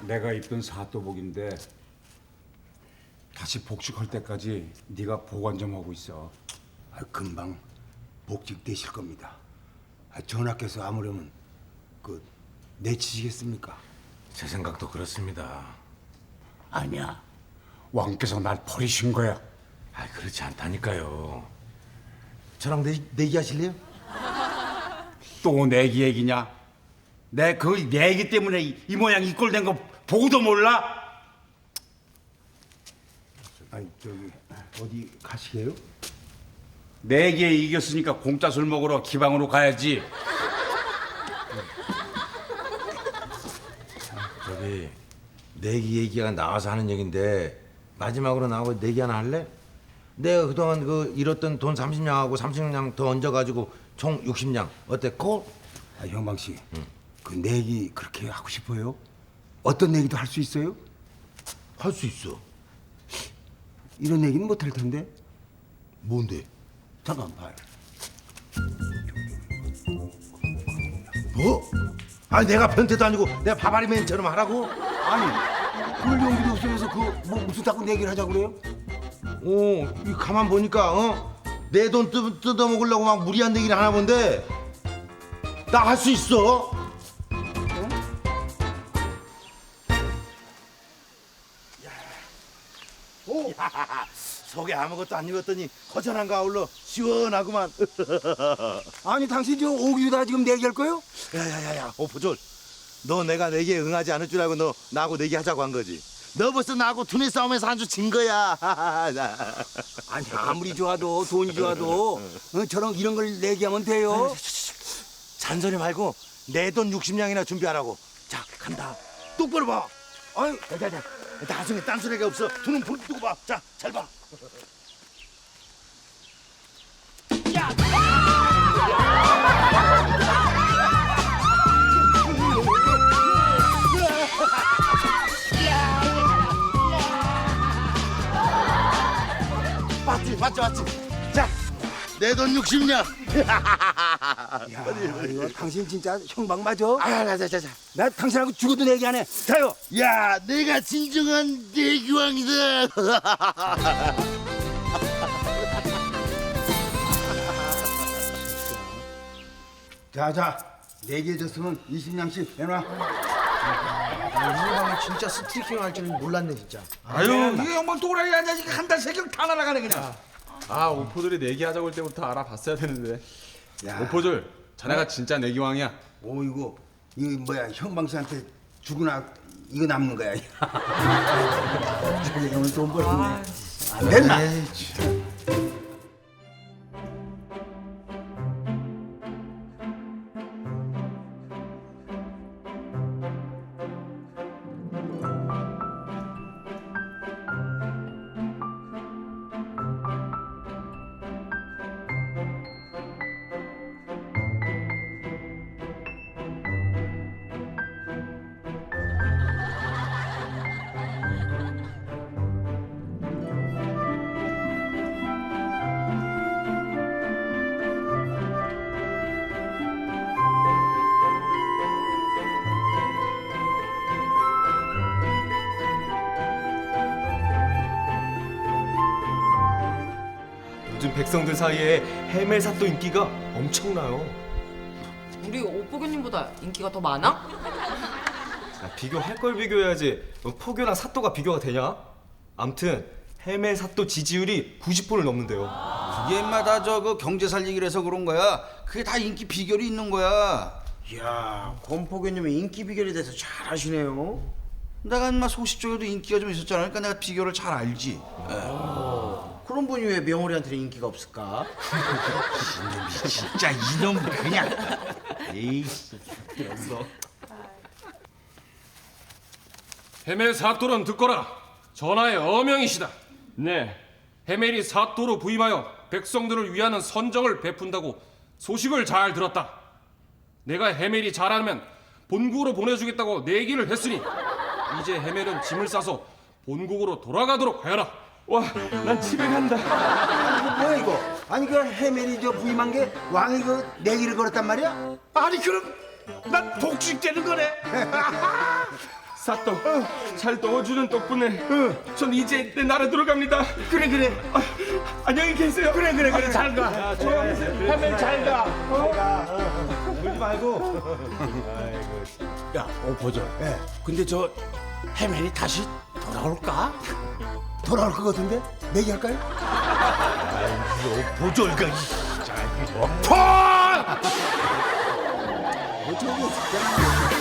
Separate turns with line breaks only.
내가 입던 사또복인데 다시 복직할 때까지 네가 보관 좀 하고 있어.
금방 복직되실 겁니다. 전하께서 아무려면 내치시겠습니까?
제 생각도 그렇습니다.
아니야.
왕께서 날 버리신 거야.
그렇지 않다니까요.
저랑 내기하실래요?
또 내기 얘기냐? 내 그 내기 때문에 이 모양 이 꼴 된 거 보고도 몰라?
아니 어디 가시게요?
내기에 이겼으니까 공짜 술 먹으러 기방으로 가야지.
저기 내기 얘기가 나와서 하는 얘긴데 마지막으로 나하고 내기 하나 할래? 내가 그동안 잃었던 돈 30냥하고 30냥 더 얹어가지고 총 60냥 어때? 콜?
형방 씨, 그 내기 그렇게 하고 싶어요? 어떤 내기도 할 수 있어요?
할 수 있어.
이런 내기는 못 할 텐데.
뭔데?
잠깐 봐요.
뭐? 아니 내가 변태도 아니고 내가 바바리맨처럼 하라고?
아니, 그럴 용기도 없으면서 무슨 자꾸 내기를 하자고 그래요?
이 가만 보니까 내 돈 뜯어먹으려고 막 무리한 얘기를 하나 본데 나 할 수 있어. 속에 아무것도 안 익었더니 허전한가 아울러 시원하구만.
아니, 당신 저 오기다 지금 내기할 거요?
야야야야 오포졸, 너 내가 내기에 응하지 않을 줄 알고 너 나하고 내기하자고 한 거지. 너 벌써 나하고 두뇌 싸움에서 한 주 진 거야.
아니, 아무리 좋아도 돈이 좋아도 저런 이런 걸 내기하면 돼요.
잔소리 말고 내 돈 60냥이나 준비하라고. 자 간다. 똑바로 봐. 아유, 자. 나중에 딴소리가 없어. 두 눈 불 뜨고 봐. 자, 잘 봐. 맞지. 자, 내 돈 60냥.
야, 이거 당신 진짜 형방 맞아?
자.
나 당신하고 죽어도 내기 안 해. 자요.
야, 내가 진정한 내기왕이다.
자, 내기해줬으면 20냥씩 내놔.
이형이 진짜 스트리킹 할 줄은 몰랐네 진짜.
아유, 이게 영광 또라이 아니야. 이게 한 달 세경 다 날아가네 그냥.
오포졸이 내기하자고 할 때부터 알아봤어야 되는데.
야.
오포졸, 자네가 진짜 내기왕이야.
이거 뭐야, 형방 씨한테 주거나 이거 남는 거야. 자기 오늘 돈 벌었네. 됐나?
요즘 백성들 사이에 해멜사또 인기가 엄청나요.
우리 오포교님보다 인기가 더 많아?
비교할 걸 비교해야지. 포교랑 사또가 비교가 되냐? 암튼 해멜사또 지지율이 90%를 넘는데요.
그게 인마 다저 경제 살리기를 해서 그런 거야. 그게 다 인기 비결이 있는 거야.
이야, 권포교님의 인기 비결에 대해서 잘 아시네요.
내가 인마 소식적으로도 인기가 좀 있었잖아. 그러니까 내가 비결을 잘 알지.
그런 분이 왜 명월이한테는 인기가 없을까?
진짜 이놈 그냥. 에이씨.
헤멜 사또는 듣거라. 전하의 어명이시다.
네.
헤멜이 사또로 부임하여 백성들을 위하는 선정을 베푼다고 소식을 잘 들었다. 내가 헤멜이 잘하면 본국으로 보내주겠다고 내기를 했으니 이제 헤멜은 짐을 싸서 본국으로 돌아가도록 하여라.
와, 난 집에 간다.
뭐야 이거? 아니 그 해멜이 저 부임한 게 왕이 그 내기를 걸었단 말이야?
아니 그럼 난 복직되는 거네.
사또 잘 넣어주는 덕분에 전 이제 내 나라 들어갑니다.
그래.
안녕히 계세요.
그래. 잘 가.
해멜 잘 가.
울지 말고.
야, 보죠. 근데 저 해멜이 다시 돌아올까? 돌아올 것 같은데? 내기할까요?
보졸가.
뭐 저기